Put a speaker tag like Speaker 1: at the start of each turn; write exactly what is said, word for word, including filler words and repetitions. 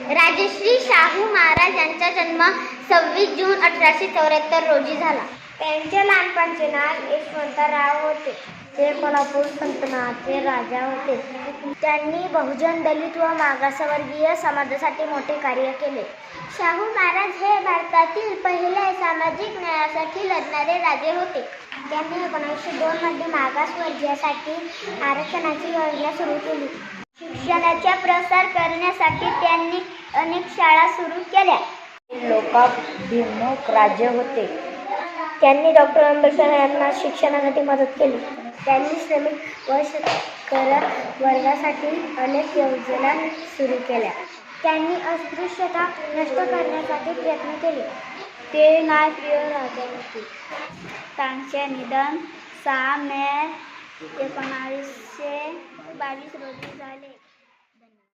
Speaker 1: राजश्री शाहू महाराज यांचा जन्म सव्वीस जून अठराशे चौऱ्याहत्तर रोजी झाला. त्यांचे लहानपणचे नाव यशवंतराव होते. ते कोल्हापूर सल्तनतचे राजा होते. त्यांनी बहुजन, दलित व मागासवर्गीय समाजासाठी मोठे कार्य केले. शाहू महाराज हे भारतातील पहिले सामाजिक न्यायासाठी लढणारे राजे होते. त्यांनी एकोणीसशे दोन मध्ये मागासवर्गीयांसाठी आरक्षणाची योजना सुरू केली. शिक्षणाचा प्रसार करण्यासाठी त्यांनी अनेक शाळा सुरू केल्या.
Speaker 2: लोकाभिमुख राजे होते.
Speaker 1: त्यांनी डॉक्टर आंबेडकर यांना शिक्षणासाठी मदत केली. त्यांनी श्रमिक व शेतकरी वर्गासाठी अनेक योजना सुरू केल्या. त्यांनी अस्पृश्यता नष्ट करण्यासाठी प्रयत्न केले. ते न्यायप्रिय राजे होते. त्यांचे निधन सहा मे एकोणीसशे बावीस रोजी झाले.